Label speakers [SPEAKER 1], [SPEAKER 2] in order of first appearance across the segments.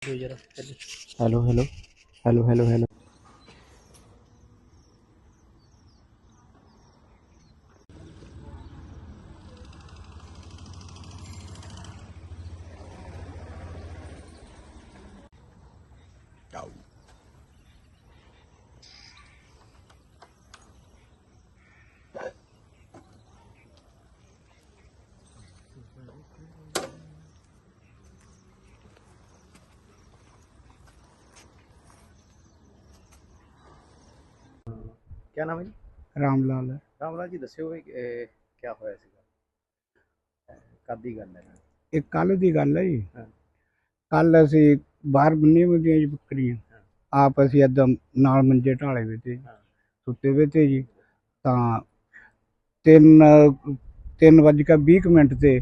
[SPEAKER 1] Hello hello hello hello hello.
[SPEAKER 2] क्या नाम है जी?
[SPEAKER 3] राम लाल है।
[SPEAKER 2] राम लाल जी ਦੱਸਿਓ ਵੀ क्या ਹੋਇਆ ਸੀਗਾ ਕਦ ਦੀ ਗੱਲ ਹੈ?
[SPEAKER 3] ਇਹ ਕੱਲ ਦੀ ਗੱਲ ਹੈ ਜੀ।
[SPEAKER 2] ਹਾਂ।
[SPEAKER 3] ਕੱਲ ਅਸੀਂ ਬਾਹਰ ਬੰਨੀਆਂ ਹੋਈਆਂ ਜੀ ਬੱਕਰੀਆਂ,
[SPEAKER 2] ਹਾਂ।
[SPEAKER 3] ਆਪ ਅਸੀਂ ਏਦਾਂ ਨਾਲ ਮੰਜੇ ਢਾਲੇ ਵੇ ਤੇ
[SPEAKER 2] ਹਾਂ।
[SPEAKER 3] ਸੁੱਤੇ ਵੇ ਤੇ ਜੀ। ਤਾਂ 3:20 ਤੇ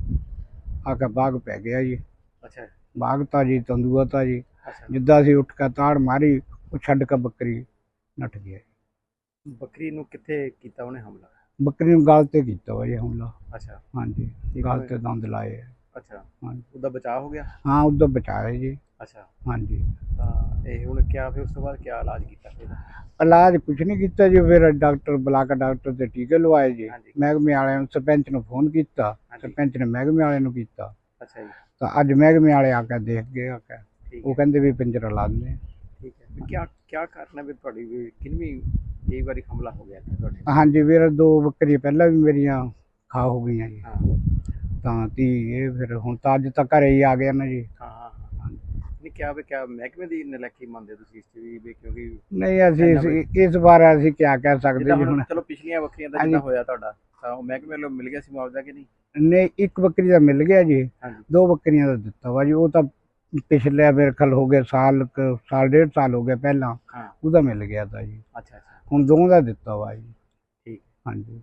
[SPEAKER 3] ਆ ਕੇ ਬਾਗ ਪੈ ਗਿਆ ਜੀ।
[SPEAKER 2] ਅੱਛਾ
[SPEAKER 3] ਬਾਗ ਤਾਂ ਜੀ ਤੰਦੂਆ ਤਾਂ ਜੀ,
[SPEAKER 2] ਅੱਛਾ।
[SPEAKER 3] ਜਿੱਦਾਂ ਅਸੀਂ ਉੱਠ ਕੇ ਤਾੜ ਮਾਰੀ, ਉਹ ਛੱਡ ਕੇ ਬੱਕਰੀ ਨੱਠ ਗਿਆ।
[SPEAKER 2] ਬੱਕਰੀ ਨੂੰ ਕਿੱਥੇ ਕੀਤਾ ਉਹਨੇ ਹਮਲਾ?
[SPEAKER 3] ਬੱਕਰੀ ਨੂੰ ਗਲ ਤੇ ਕੀਤਾ ਵਾ ਜੀ ਹਮਲਾ।
[SPEAKER 2] ਅੱਛਾ
[SPEAKER 3] ਹਾਂਜੀ, ਗਲ ਤੇ ਦੰਦ ਲਾਏ ਆ।
[SPEAKER 2] ਅੱਛਾ।
[SPEAKER 3] ਹਾਂਜੀ,
[SPEAKER 2] ਉਹਦਾ ਬਚਾਅ ਹੋ ਗਿਆ?
[SPEAKER 3] ਹਾਂ ਉਦੋਂ ਬਚਾਇਆ ਜੀ।
[SPEAKER 2] ਅੱਛਾ।
[SPEAKER 3] ਹਾਂਜੀ,
[SPEAKER 2] ਤਾਂ ਇਹ ਹੁਣ ਕਿਆ ਫਿਰ ਉਸ ਤੋਂ ਬਾਅਦ ਕਿਆ ਇਲਾਜ ਕੀਤਾ ਫਿਰ?
[SPEAKER 3] ਇਲਾਜ ਕੁਛ ਨਹੀਂ ਕੀਤਾ ਜੀ। ਫਿਰ ਡਾਕਟਰ ਬੁਲਾ ਕੇ ਡਾਕਟਰ ਦੇ ਟੀਕੇ ਲਵਾਏ ਜੀ।
[SPEAKER 2] ਹਾਂਜੀ।
[SPEAKER 3] ਮਹਿਕਮੇ ਵਾਲਿਆਂ ਨੂੰ, ਸਰਪੰਚ ਨੂੰ ਫੋਨ ਕੀਤਾ,
[SPEAKER 2] ਹਾਂਜੀ।
[SPEAKER 3] ਸਰਪੰਚ ਨੇ ਮਹਿਕਮੇ ਵਾਲਿਆਂ ਨੂੰ ਕੀਤਾ।
[SPEAKER 2] ਅੱਛਾ ਜੀ।
[SPEAKER 3] ਤਾਂ ਅੱਜ ਮਹਿਕਮੇ ਵਾਲੇ ਆ ਕੇ ਦੇਖ ਗਏ ਆ ਕੇ,
[SPEAKER 2] ਠੀਕ
[SPEAKER 3] ਉਹ
[SPEAKER 2] ਹੈ
[SPEAKER 3] ਕਹਿੰਦੇ ਵੀ ਪਿੰਜਰਾ ਲਾ ਦਿੰਦੇ ਆ।
[SPEAKER 2] ਠੀਕ ਹੈ। ਫਿਰ ਕਿਆ ਕਾਰਨ ਹੈ ਵੀ ਤੁਹਾਡੀ ਵੀ ਕਿੰਨੀ ਕਈ ਵਾਰੀ ਹਮਲਾ ਹੋ ਗਿਆ ਇੱਥੇ ਤੁਹਾਡੇ?
[SPEAKER 3] ਹਾਂਜੀ ਵੀਰ, 2 ਬੱਕਰੀਆਂ ਪਹਿਲਾਂ ਵੀ ਮੇਰੀਆਂ ਖਾ ਹੋ ਗਈਆਂ ਜੀ।
[SPEAKER 2] ਹਾਂ
[SPEAKER 3] ਤਾਂ ਤੀ ਇਹ ਫਿਰ ਹੁਣ ਤਾਂ ਅੱਜ ਤਾਂ ਘਰੇ ਹੀ ਆ ਗਿਆ ਨਾ ਜੀ।
[SPEAKER 2] ਹਾਂ ਹਾਂ ਹਾਂ। ਨਹੀਂ ਕਿਆ ਮਹਿਕਮੇ ਦੀ ਨਲਾਇਕੀ ਮੰਨਦੇ ਤੁਸੀਂ ਇਸ 'ਚ ਵੀ ਕਿਉਂਕਿ
[SPEAKER 3] ਨਹੀਂ ਅਸੀਂ ਇਸ ਵਾਰ ਅਸੀਂ ਕਿਆ ਕਹਿ ਸਕਦੇ
[SPEAKER 2] ਜਿੱਦਾਂ
[SPEAKER 3] ਜੀ
[SPEAKER 2] ਹੁਣ
[SPEAKER 3] ਹੁਣ।
[SPEAKER 2] ਚਲੋ ਪਿਛਲੀਆਂ ਵੱਖਰੀਆਂ ਦਾ
[SPEAKER 3] ਹਾਂਜੀ।
[SPEAKER 2] ਜਿੱਦਾਂ ਹੋਇਆ ਤੁਹਾਡਾ ਤਾਂ ਉਹ ਮਹਿਕਮੇ ਵੱਲੋਂ ਮਿਲ ਗਿਆ ਸੀ ਮੁਆਵਜ਼ਾ ਕਿ ਨਹੀਂ?
[SPEAKER 3] ਨਹੀਂ, 1 ਬੱਕਰੀ ਦਾ ਮਿਲ ਗਿਆ ਜੀ,
[SPEAKER 2] ਹਾਂਜੀ
[SPEAKER 3] 2 ਬੱਕਰੀਆਂ ਦਾ ਦਿੱਤਾ ਵਾ ਜੀ। ਉਹ ਤਾਂ ਪਿਛਲੇ ਮੇਰੇ ਖਿਆਲ ਹੋ ਗਿਆ ਸਾਲ ਡੇਢ ਸਾਲ ਹੋ ਗਿਆ ਪਹਿਲਾਂ,
[SPEAKER 2] ਹਾਂ।
[SPEAKER 3] ਉਹਦਾ ਮਿਲ ਗਿਆ ਤਾਂ ਜੀ।
[SPEAKER 2] ਅੱਛਾ ਅੱਛਾ
[SPEAKER 3] ਹੁਣ 2 ਦਾ ਦਿੱਤਾ ਵਾ ਜੀ।
[SPEAKER 2] ਠੀਕ।
[SPEAKER 3] ਹਾਂਜੀ,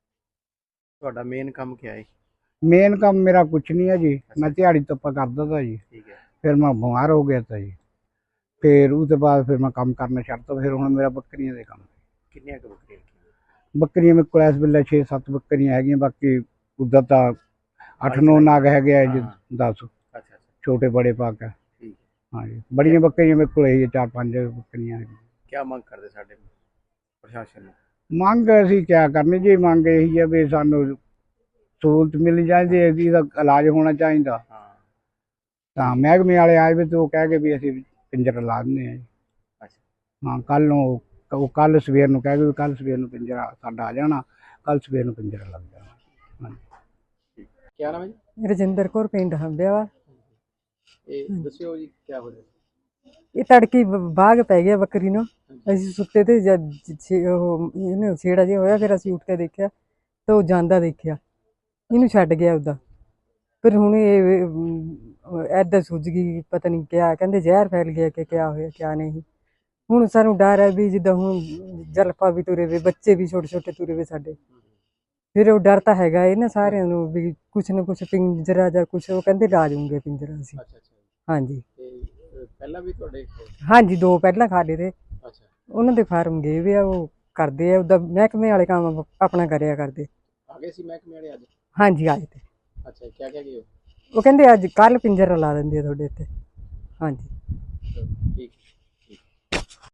[SPEAKER 2] ਤੁਹਾਡਾ ਮੇਨ ਕੰਮ ਕਿਆ ਹੈ?
[SPEAKER 3] ਮੇਨ ਕੰਮ ਮੇਰਾ ਕੁਛ ਨਹੀਂ ਹੈ ਜੀ। ਮੈਂ ਦਿਹਾੜੀ ਤੱਪਾ ਕਰਦਾ ਤਾ ਜੀ।
[SPEAKER 2] ਠੀਕ ਹੈ।
[SPEAKER 3] ਫਿਰ ਮੈਂ ਬਿਮਾਰ ਹੋ ਗਿਆ ਤਾ ਜੀ। ਫਿਰ ਉਹਦੇ ਬਾਅਦ ਫਿਰ ਮੈਂ ਕੰਮ ਕਰਨਾ ਛੱਡਤਾ। ਫਿਰ ਹੁਣ ਮੇਰਾ ਬੱਕਰੀਆਂ ਦੇ ਕੰਮ।
[SPEAKER 2] ਕਿੰਨੀਆਂ ਕੁ ਬੱਕਰੀਆਂ ਰੱਖੀਆਂ?
[SPEAKER 3] ਬੱਕਰੀਆਂ ਮੇਰੇ ਕੋਲ ਇਸ ਵੇਲੇ 6-7 ਬੱਕਰੀਆਂ ਹੈਗੀਆਂ। ਬਾਕੀ ਉੱਦਾਂ ਤਾਂ 8-9
[SPEAKER 2] ਚਲਾਈ
[SPEAKER 3] ਨਾਗ ਹੈਗੇ ਆ ਜੀ,
[SPEAKER 2] ਹਾਂ।
[SPEAKER 3] 10
[SPEAKER 2] ਅੱਛਾ ਅੱਛਾ
[SPEAKER 3] ਛੋਟੇ ਬੜੇ ਪਾ ਕੇ।
[SPEAKER 2] ਠੀਕ ਹੈ।
[SPEAKER 3] ਹਾਂਜੀ, ਬੜੀਆਂ ਬੱਕਰੀਆਂ ਮੇਰੇ ਕੋਲ ਇਹੀ 4-5 ਬੱਕਰੀਆਂ ਹੈਗੀਆਂ।
[SPEAKER 2] ਕਿਆ ਮੰਗ ਕਰਦੇ ਸਾਡੇ ਪ੍ਰਸ਼ਾਸਨ ਨੂੰ?
[SPEAKER 3] ਮੰਗ ਅਸੀਂ ਕਿਆ ਕਰਨੀ ਜੀ, ਮੰਗ ਇਹੀ ਹੈ ਵੀ ਸਾਨੂੰ ਸਹੂਲਤ ਮਿਲ ਜਾਂਦੀ ਹੈ, ਇਹਦਾ ਇਲਾਜ ਹੋਣਾ ਚਾਹੀਦਾ।
[SPEAKER 2] ਹਾਂ
[SPEAKER 3] ਤਾਂ ਮਹਿਕਮੇ ਵਾਲੇ ਆਏ ਵੀ ਤੇ ਉਹ ਕਹਿ ਕੇ ਵੀ ਅਸੀਂ ਪਿੰਜਰਾ ਲਾ ਦਿੰਦੇ ਹਾਂ ਜੀ।
[SPEAKER 2] ਅੱਛਾ
[SPEAKER 3] ਹਾਂ, ਕੱਲ ਨੂੰ ਉਹ ਕੱਲ ਸਵੇਰ ਨੂੰ ਕਹਿ ਗਏ ਵੀ ਕੱਲ ਸਵੇਰ ਨੂੰ ਪਿੰਜਰਾ ਸਾਡਾ ਆ ਜਾਣਾ, ਕੱਲ ਸਵੇਰ ਨੂੰ ਪਿੰਜਰਾ ਲੱਗ ਜਾਣਾ। ਹਾਂਜੀ।
[SPEAKER 2] ਕਿਆ ਨਾਮ ਹੈ ਜੀ?
[SPEAKER 4] ਰਜਿੰਦਰ ਕੌਰ, ਪਿੰਡ ਹੰਬਿਆਵਾ।
[SPEAKER 2] ਇਹ ਦੱਸਿਓ ਜੀ ਕਿਆ ਹੋ ਰਿਹਾ?
[SPEAKER 4] ਇਹ ਤੜਕੀ ਬਾਗ ਪੈ ਗਿਆ ਬੱਕਰੀ ਨੂੰ। ਅਸੀਂ ਸੁੱਤੇ ਤੇ ਜਦ ਉਹ ਇਹਨੂੰ ਛੇੜਾ ਜਿਹਾ ਹੋਇਆ, ਫਿਰ ਅਸੀਂ ਉੱਠ ਕੇ ਦੇਖਿਆ ਤਾਂ ਉਹ ਜਾਂਦਾ ਦੇਖਿਆ, ਇਹਨੂੰ ਛੱਡ ਗਿਆ ਉਹਦਾ। ਫਿਰ ਹੁਣ ਇਹ ਐਦਾਂ ਸੁੱਜ ਗਈ, ਪਤਾ ਨਹੀਂ ਕਿਆ ਕਹਿੰਦੇ ਜ਼ਹਿਰ ਫੈਲ ਗਿਆ ਕਿ ਕਿਆ ਹੋਇਆ ਕਿਆ ਨਹੀਂ। ਹੁਣ ਸਾਨੂੰ ਡਰ ਹੈ ਵੀ ਜਿੱਦਾਂ ਹੁਣ ਜਲਪਾ ਵੀ ਤੁਰੇ ਵੇ, ਬੱਚੇ ਵੀ ਛੋਟੇ ਛੋਟੇ ਤੁਰੇ ਵੇ ਸਾਡੇ। ਫਿਰ ਉਹ ਡਰ ਤਾਂ ਹੈਗਾ ਇਹ ਨਾ ਸਾਰਿਆਂ ਨੂੰ ਵੀ ਕੁਛ ਨਾ ਕੁਛ ਪਿੰਜਰਾ ਜਾਂ ਕੁਛ, ਉਹ ਕਹਿੰਦੇ ਲਾ ਜੂਗੇ ਪਿੰਜਰਾ ਅਸੀਂ।
[SPEAKER 2] ਅੱਛਾ ਅੱਛਾ।
[SPEAKER 4] ਹਾਂਜੀ
[SPEAKER 2] ਤੇ ਪਹਿਲਾਂ ਵੀ ਤੁਹਾਡੇ?
[SPEAKER 4] ਹਾਂਜੀ, 2 ਪਹਿਲਾਂ ਖਾ ਲਏ ਤੇ
[SPEAKER 2] ਅੱਛਾ।
[SPEAKER 4] ਉਹਨਾਂ ਦੇ ਫਾਰਮ ਗਏ ਵੇ ਆ, ਉਹ ਕਰਦੇ ਆ ਉਹਦਾ ਮਹਿਕਮੇ ਵਾਲੇ ਕੰਮ ਆਪਣਾ ਕਰਿਆ ਕਰਦੇ।
[SPEAKER 2] ਆ ਗਏ ਸੀ ਮਹਿਕਮੇ ਵਾਲੇ ਅੱਜ?
[SPEAKER 4] ਹਾਂਜੀ ਆਏ ਤੇ।
[SPEAKER 2] ਅੱਛਾ, ਕਿਆ ਕਹਿ ਗਏ?
[SPEAKER 4] ਉਹ ਕਹਿੰਦੇ ਅੱਜ ਕੱਲ ਪਿੰਜਰਾ ਲਾ ਦਿੰਦੇ ਆ ਤੁਹਾਡੇ ਇੱਥੇ। ਹਾਂਜੀ
[SPEAKER 2] ਠੀਕ।